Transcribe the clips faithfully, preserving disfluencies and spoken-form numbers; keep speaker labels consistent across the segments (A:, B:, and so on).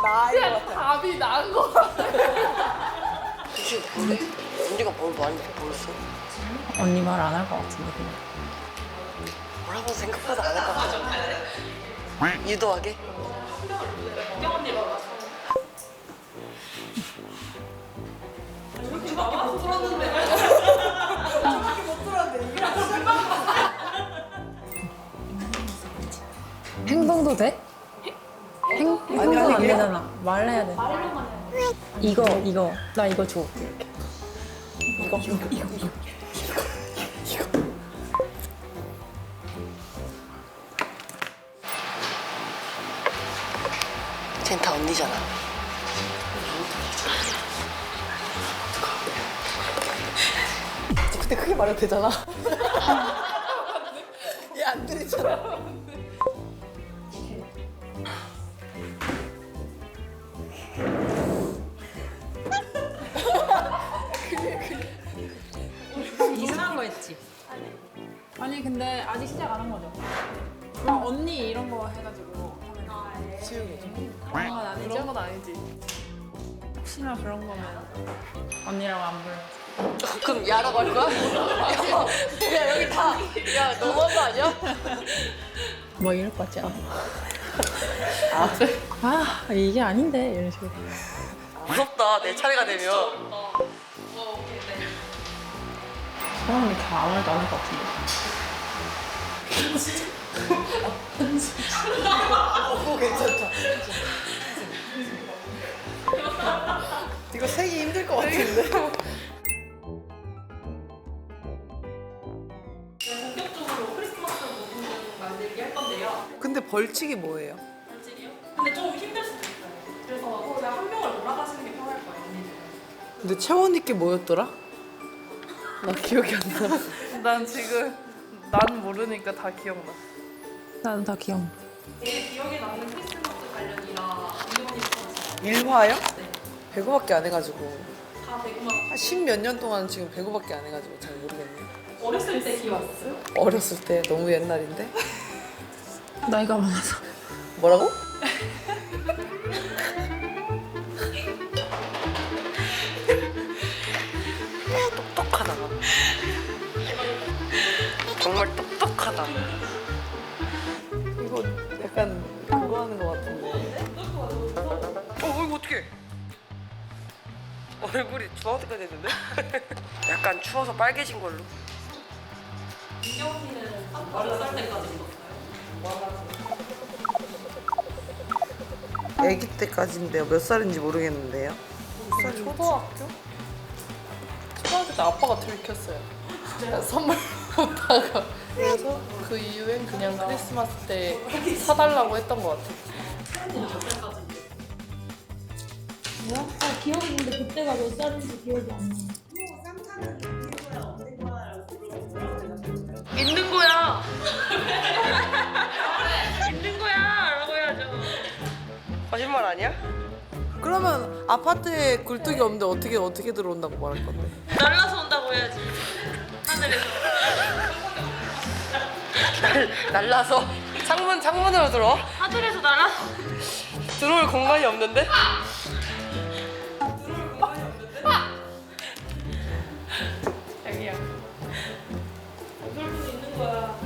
A: 나인 것
B: 그냥
A: 같아.
B: 답이 나은 거 같아.
C: 혹시 모르 언니가 뭘 말했는지 모르겠어.
D: 언니 말 안 할 것 같은데 그냥.
C: 뭐라고 생각보다 안 할 것 같아. 유도하게?
D: 행동도 돼? 행, 행동은 안 되잖아. 말해야 돼. 이거 이거 나 이거 줘.
A: 이거 이거 이거 이거.
C: 쟨 다 언니잖아.
A: 근데 크게 말해도 되잖아. 얘 안 들리잖아.
D: 이상한 거 했지.
B: 아니 근데 아직 시작 안 한 거죠? 막 언니 이런 거 해가지고 하면
A: 지우개죠.
B: 그런 건 아니죠? 그런 건 아니지. 혹시나 그런 거면
D: 언니라고 안 불러.
C: 그럼 야라고 할 거야? 야, 야 여기 다. 야 너무한 거 아니야?
D: 뭐 이럴 것 같지 않아? 아 이게 아닌데 이런 식으로.
C: 무섭다. 내 차례가 되면.
D: 사람 이렇게 아무 말도 안 할 것 같은데.
A: 어, 괜찮다. 이거 세기 힘들 것 같은데.
E: 본격적으로 크리스마스 모든 만들기 할 건데요.
A: 근데 벌칙이 뭐예요?
E: 솔직히요? 근데 좀 힘들 수도 있어요. 그래서 그냥 한 명을 몰아가시는 게 편할 거예요, 언니는.
A: 근데 채원이께 뭐였더라? 나 기억이 안 나.
B: 난 지금 난 모르니까 다 기억나.
D: 나는 다 기억.
E: 제일 기억에 남는 크리스마스 관련이라 이혼이 있었어요.
A: 일화요? 배구밖에 안 해가지고
E: 다 배구만.
A: 한 십몇 년 동안 지금 배구밖에 안 해가지고 잘 모르겠네요.
E: 어렸을 때 기억났어요?
A: 어렸을 때 너무 옛날인데.
D: 나이가 많아서.
A: 뭐라고?
C: 똑똑하다. 정말 똑똑하다.
A: 이거 약간 그거 하는 것 같은데.
C: 어, 이거 어떡해. 얼굴이 주황색깔 됐는데? 약간 추워서 빨개진 걸로.
E: 민경 언니는 몇 살 때까지 입었어요?
A: 아기 때까지인데요. 몇 살인지 모르겠는데요. 몇 살?
B: 초등학교? 초등학교 때 아빠가 들켰어요. 선물 못다가 그래서 그 이후엔 그냥 크리스마스 때 사달라고 했던 것 같아.
F: 아, 기억이 있는데 그때가 몇 살인지 기억이 안 나.
C: 있는 거야. 있는 거야. 라고 해야죠. 거짓말 아니야?
A: 그러면 아파트에 굴뚝이 없는데 어떻게 어떻게 들어온다고 말할 건데?
C: 날라서 온다고 해야지. 하늘에서. 날, 날라서? 창문, 창문으로 들어와?
E: 하늘에서 날아.
C: 들어올 공간이 없는데?
B: 자기야.
E: 그럴 수 있는 거야.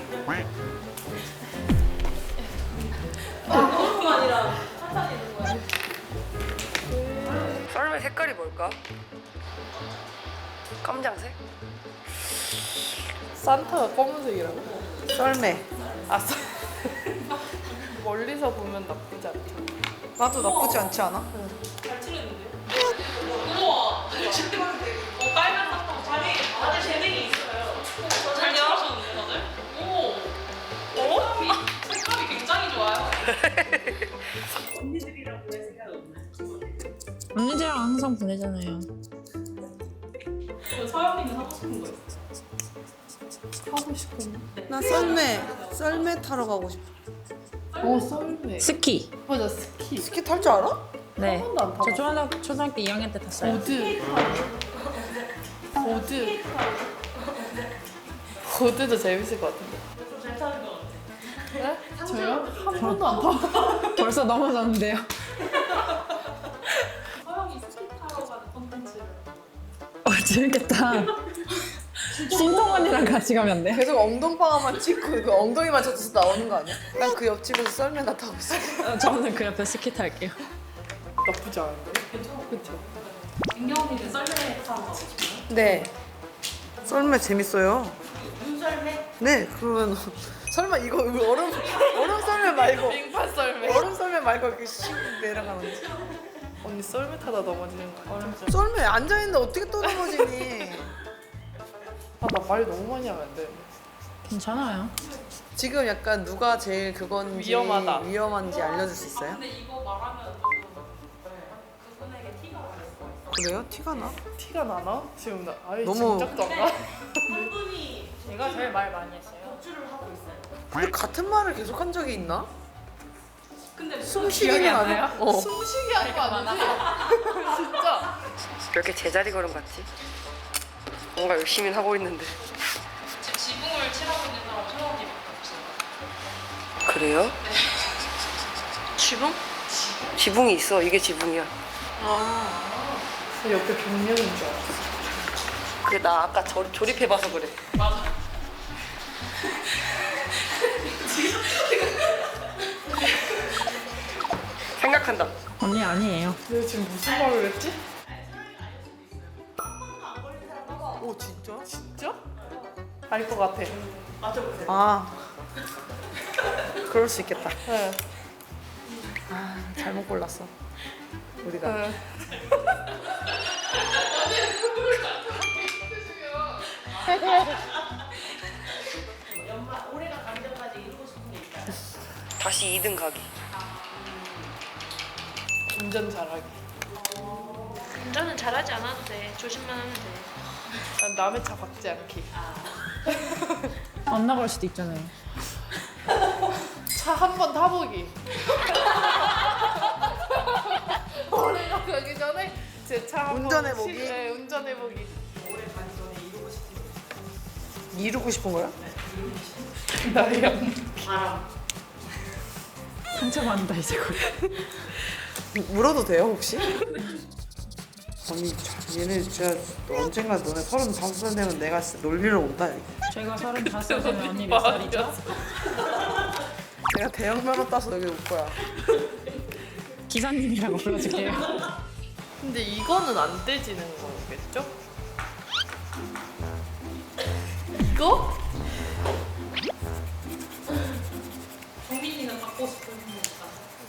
C: 썰매 색깔이 뭘까? 깜장색?
B: 산타가 검은색이라고?
A: 썰매.
B: 아, 썰- 멀리서 보면 나쁘지 않죠.
A: 나도 나쁘지 않지 않아?
E: 잘 치르는데요? 우와! 잘 치르는데. 어, 빨간 sap방. 자기, 다들 재능이 있어요. 잘 잘하셨는데, 다들? 오! 색감이, 색감이 굉장히 좋아요.
D: 언니들이랑 항상 보내잖아요.
E: 그 서영이는 하고 싶은 거 있어요?
B: 하고 싶은.
A: 나 썰매. 썰매 타러 가고 싶어.
B: 어, 썰매.
D: 스키.
B: 맞아, 스키.
A: 스키 탈 줄 알아?
D: 네.
B: 번도 안
D: 저
B: 타봤어.
D: 초등학교, 초등학교 이 학년 때 탔어요.
B: 보드. 보드. 보드도 재밌을 것 같은데.
E: 잘 타는 거 같아.
B: 네? 저요? 한 번도 안 타봤어요.
D: 벌써 넘어졌는데요. 재밌겠다. 신동 언니랑 같이 가면 안 돼?
A: 계속 엉덩방아만 찍고 그 엉덩이만 젖어서 나오는 거 아니야? 난 그 옆집에서 썰매나 타고 있어.
D: 어, 저는 그 옆에 스키 탈게요.
A: 나쁘지 않은데? 그쵸?
E: 민경 언니는 썰매 타고 가고 싶어요?
A: 네. 썰매 재밌어요.
E: 눈썰매?
A: 네, 그러면 설마 이거 얼음 얼음 썰매 말고
B: 빙판 썰매.
A: 얼음 썰매 말고 이렇게 슉 내려가는 거.
B: 언니 썰매 타다 넘어지는 거 아니야?
A: 썰매 앉아 있는데 어떻게 또 넘어지니?
B: 아, 나 말 너무 많이 하면 안 돼.
D: 괜찮아요.
A: 지금 약간 누가 제일 그건지
B: 위험하다.
A: 위험한지 알려줄 수 있어요?
E: 근데 이거 말하면 조금 그분에게 티가 날 수가 있어.
A: 그래요? 티가 나?
B: 티가 나나? 지금 나 아예
A: 너무-
B: 짐작도 안 가.
E: 한 분이
B: 제가 제일 말 많이 했어요.
E: 격주를 하고 있어요.
A: 근데 같은 말을 계속 한 적이 있나?
E: 근데
A: 숨쉬기는
B: 안
A: 아니야? 어.
B: 숨쉬기 한 거 아니지? 진짜.
C: 왜 이렇게 제자리 걸음 같지? 뭔가 열심히 하고 있는데.
E: 지금 지붕을 칠하고 있는 사람 천원이 없어요.
C: 그래요? 지붕? 지붕이 있어. 이게 지붕이야.
B: 옆에 벽면인 줄 알았어.
C: 그게 나 아까 조, 조립해봐서 그래.
E: 맞아.
C: 생각한다.
D: 언니 아니에요.
B: 내가 지금 무슨 말을 했지?
A: 오 진짜?
B: 진짜? 알 것 같아.
A: 아 그럴 수 있겠다.
B: 네.
A: 아 잘못 골랐어. 우리가.
B: 네.
C: 다시 이 등 가기.
B: 운전 잘하기.
E: 운전은 잘하지 않아도 돼. 조심만 하면 돼.
B: 난 남의 차 박지 않기.
D: 안 나갈 수도 있잖아요.
B: 차 한 번 타보기. 올해가 가기 전에 제 차 한 번
A: 운전해보기?
B: 네, 운전해보기.
A: 이루고 싶은 거야?
B: 나랑
D: 상처받는다 이제 곧.
A: 물어도 돼요 혹시? 아니 참, 얘네 진짜 언젠가 너네 서른다섯 살 되면 내가 진짜 놀리러 온다 여기.
D: 제가 서른다섯 살 되면 언니 몇 살이죠?
A: 내가 대형 면허 따서 여기 올 거야.
D: 기사님이라고 불러줄게요.
B: 근데 이거는 안 떼지는 거겠죠? 이거?
E: 정민이는 받고 싶은 거니까.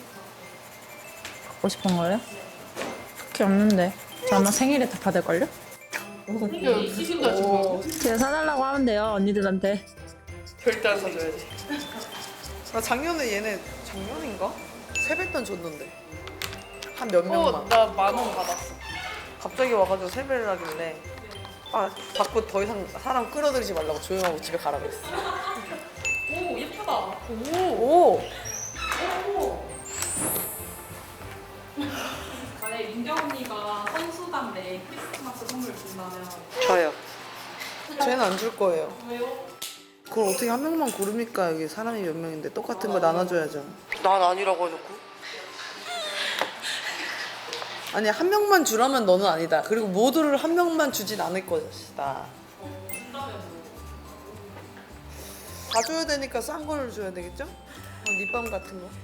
D: 갖고 싶은 거요? 그게 없는데. 저 아마 생일에 다 받을걸요?
B: 이거 있으신다 지금.
D: 제가 사달라고 하면 돼요 언니들한테.
B: 절대 안 사줘야지.
A: 나 작년에 얘네 작년인가? 세뱃돈 줬는데 한 몇 명만.
B: 어, 나 만 원 받았어.
A: 갑자기 와가지고 세배를 하길래 아 자꾸 더 이상 사람 끌어들이지 말라고 조용하고 집에 가라 그랬어.
E: 오 예쁘다.
A: 오.
E: 만약에 민경 언니가 선수단 내 크리스마스 선물 준다면
C: 저요.
A: 쟤는 안 줄 거예요.
E: 왜요?
A: 그걸 어떻게 한 명만 고릅니까? 여기 사람이 몇 명인데 똑같은 거 나눠줘야죠.
C: 난 아니라고 해놓고.
A: 아니 한 명만 주라면 너는 아니다. 그리고 모두를 한 명만 주진 않을 것이다. 다 줘야 되니까 싼 걸 줘야 되겠죠? 어, 립밤 같은 거.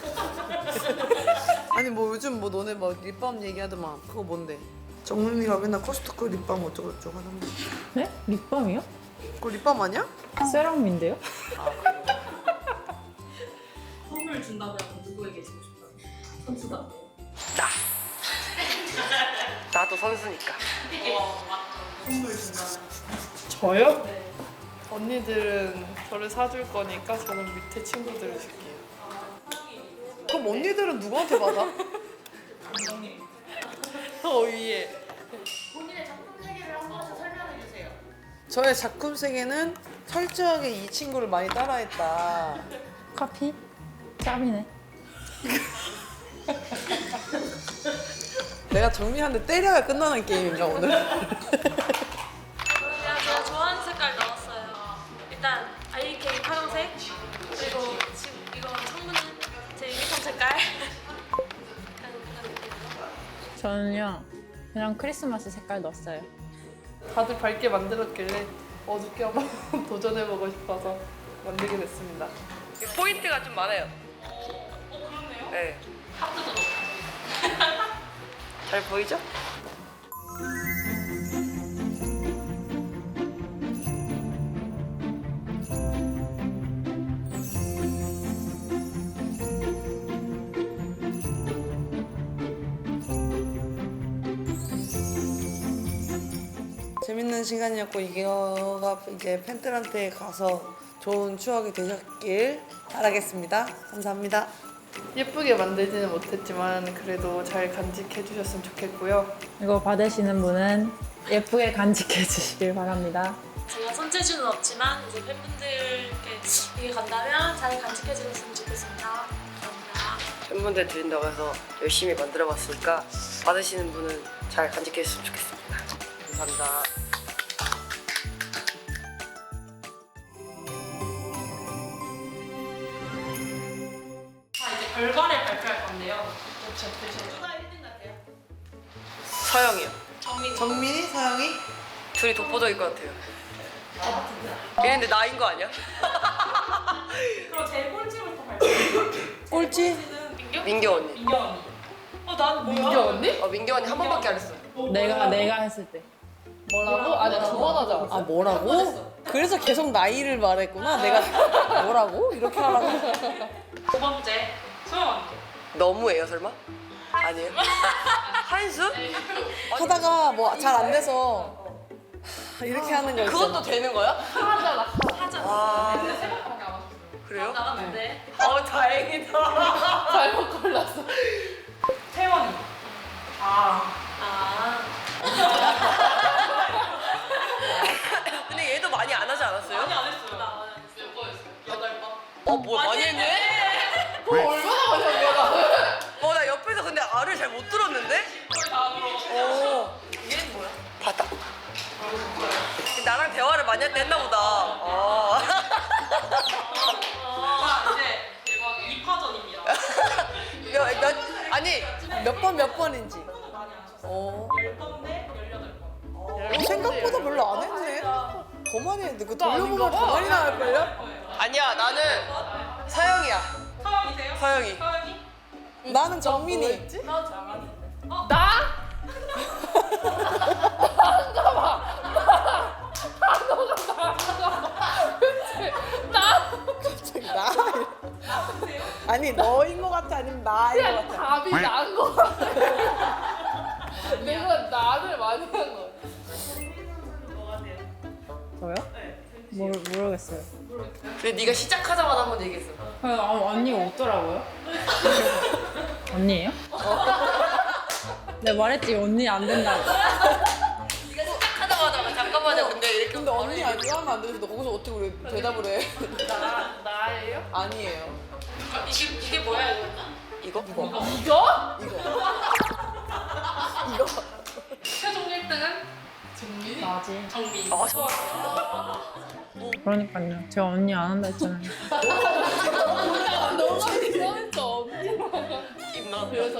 A: 아니 뭐 요즘 뭐 너네 뭐 립밤 얘기하더만 그거 뭔데? 정민이가 맨날 코스트코 립밤 어쩌고저쩌고 하던데.
D: 네? 립밤이요?
A: 그거 립밤 아니야?
D: 세럼인데요?
E: 선물 준다면 누구에게 주고 싶어요? 선수단.
C: 나. 나도 선수니까.
E: 어 맞죠. 선물 준다면.
B: 저요?
E: 네.
B: 언니들은 저를 사줄 거니까 저는 밑에 친구들을 줄게요.
A: 그럼 언니들은 누구한테 받아?
B: 더 위에.
E: 본인의 작품 세계를 한 번씩 설명해 주세요.
A: 저의 작품 세계는 철저하게 이 친구를 많이 따라했다.
D: 커피? 짭이네.
A: 내가 정민한테 때려야 끝나는 게임인가 오늘?
G: 제가 좋아하는 색깔 나왔어요. 일단 아이케이 파란색, 그리고 지금 이거 창문은 제 유니폼 색깔. 약간 그런 느낌.
D: 저는요 그냥 크리스마스 색깔 넣었어요.
H: 다들 밝게 만들었길래 어둡게 한번 도전해보고 싶어서 만들게 됐습니다.
C: 포인트가 좀 많아요.
E: 어, 그렇네요.
C: 네.
E: 하트도 넣고.
C: 잘 보이죠?
A: 재밌는 시간이었고 이거가 이제 팬들한테 가서 좋은 추억이 되셨길 바라겠습니다. 감사합니다.
H: 예쁘게 만들지는 못했지만 그래도 잘 간직해 주셨으면 좋겠고요.
D: 이거 받으시는 분은 예쁘게 간직해 주시길 바랍니다.
G: 제가 손재주는 없지만 이제 팬분들께 이게 간다면 잘 간직해 주셨으면 좋겠습니다. 감사합니다.
C: 팬분들 드린다고 해서 열심히 만들어봤으니까 받으시는 분은 잘 간직했으면 좋겠습니다. 감사합니다.
E: 자, 이제 결과를 발표할 건데요. 누가 일 등 같아요?
C: 서영이요.
E: 정민.
A: 정민이, 서영이?
C: 둘이 독보적일 것 같아요. 얘네들 나인 거 아니야?
E: 그럼 제 꼴찌부터 발표해요.
A: 꼴찌?
E: 민규?
C: 민규 언니.
E: 민규 언니. 어, 난 뭐야?
H: 민규 언니?
C: 어, 민규 언니 한 번밖에 안 했어.
D: 내가 내가 했을 때.
H: 뭐라고? 아니 두 번 하지 않았어?
A: 아 뭐라고? 그래서 계속 나이를 말했구나. 내가 뭐라고? 이렇게 하라고?
E: 두 번째, 소영 언니.
C: 너무해요 설마? 아니에요? 한수?
A: 하다가 뭐 잘 안 돼서 이렇게 하는 거 있잖아.
C: 그것도 되는 거야?
E: 하잖아.
C: 아
E: 근데 세 번밖에 안 왔어.
C: 그래요?
E: 나갔는데.
C: 어 다행이다.
H: 잘못 골랐어.
E: 태원이. 아.
G: 아,
C: 근데 얘도 많이 안 하지 않았어요?
E: 많이 안 했어요. 몇 번했어요? 여덟 번.
C: 어 뭐 많이 했네?
H: 그거 얼마나 많이 한 거야 나는?
C: 어 나 옆에서 근데 알을 잘 못 들었는데?
E: 거의 다 들어.
C: 어 얘는 뭐야? 봤다. 나랑 대화를 많이 할 때 했나 보다. 어.
E: 자, 이제 대박 이 파전입니다.
C: 몇, 몇, 아니
A: 몇 번 몇 번인지.
E: 많이 안 하셨어요.
A: 어.
E: 열 번 대 열여덟 번.
A: 어, 생각보다 별로 안 했네. 더 많이 했는데 그
H: 나
A: 돌려보면
H: 아닌가
A: 더
H: 봐.
A: 많이 나올걸요?
C: 아니야 나는 서영이야.
E: 서영이세요?
C: 서영이.
E: 서영이?
A: 나는 정민이.
E: 나 정민이.
H: 나?
A: 갑자기 나? 아니 너인 것 같아 아니면 나인 것 같아?
H: 답이 나은 거 같아. 내가 나를 많이 한 거.
D: 저요? 모르, 모르겠어요.
C: 근데 네가 시작하자마자 한번 얘기했어.
D: 아, 아, 언니가 없더라고요. 언니예요? 내가 말했지 언니 안 된다고.
C: 네가 시작하자마자 잠깐만요. 근데 이렇게
A: 근데 언니 아니야 하면 안 되는데 너 거기서 어떻게 우리 대답을 해?
H: 나 나예요?
A: 아니에요.
E: 이게 이게 뭐야 이거?
C: 이거?
A: 이거.
H: 이거?
A: 이거. 이거.
E: 최종 일 등은
H: 정민이?
D: 나지.
E: 정민.
C: 아 저.
D: 그러니까요. 제가 언니 안 한다 했잖아요.
H: 너가 이상했어 언니라고.
C: 김나.
H: 그래서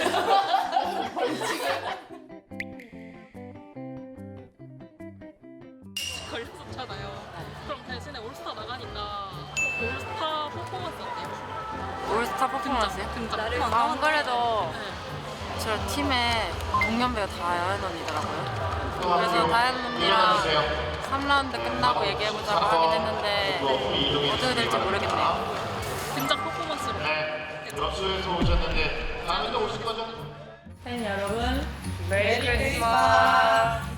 E: 걸렸었잖아요. 그럼 대신에 올스타 나가니까 올스타 퍼포먼스 어때요?
I: 올스타 퍼포먼스요?
E: 등장.
I: 아, 안 그래도
E: 네.
I: 저 팀에 동년배가 다현 언니더라고요. 그래서 다현 언니랑 삼 라운드 끝나고 얘기해보자고 하긴 했는데 어떻게 될지 모르겠네요.
E: 등장 퍼포먼스로.
J: 럽스에서 오셨는데 다음에도 오실 거죠?
D: 팬 여러분,
C: 메리 크리스마스.